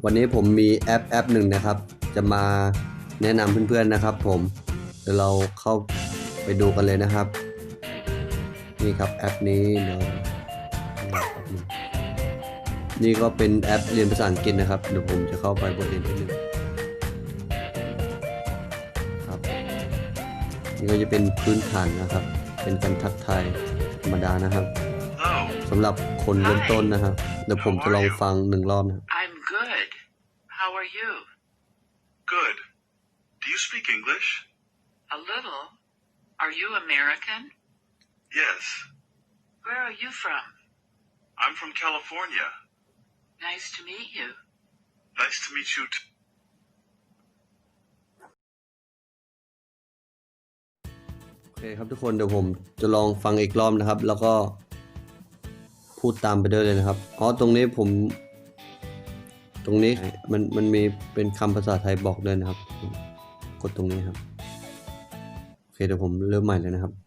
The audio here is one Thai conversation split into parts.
วันนี้ผมมีแอปหนึ่งนะครับจะมาแนะนำเพื่อนๆนะครับผมเดี๋ยวเราเข้าไปดูกันเลยนะครับนี่ครับแอปนี้นี่ก็เป็นแอปเรียนภาษาอังกฤษนะครับเดี๋ยวผมจะเข้าไปบทเรียนที่หนึ่งครับนี่ก็จะเป็นพื้นฐานนะครับเป็นการทักทายธรรมดานะครับสำหรับคนเริ่มต้นนะครับเดี๋ยวผมจะลองฟัง1 รอบนะ I'm good. How are you? Good. Do you speak English? A little. Are you American? Yes. Where are you from? I'm from California. Nice to meet you. Nice to meet you too. โอเคครับทุกคนเดี๋ยวผมจะลองฟังอีกรอบนะครับแล้วก็พูดตามไปด้วยเลยนะครับตรงนี้มันมีเป็นคำภาษาไทยบอกด้วยนะครับกดตรงนี้ครับโอเคเดี๋ยวผมเริ่มใหม่เลยนะครับ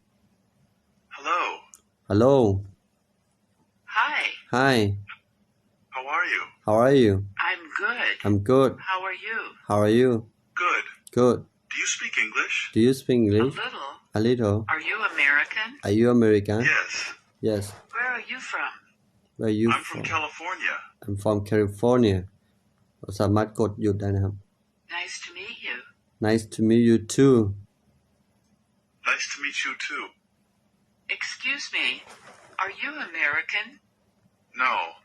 Hello. Hi. Hi. How are you? How are you? I'm good. I'm good. How are you? How are you? Good. Good. Do you speak English? Do you speak A English? little. A little. Are you American? Are you American? Yes. Yes. Where are you from? Where are you I'm from California. I'm from California เราสามารถกดหยุดได้นะครับ Nice to meet you. Nice to meet you too. Nice to meet you too. Excuse me. Are you American? No.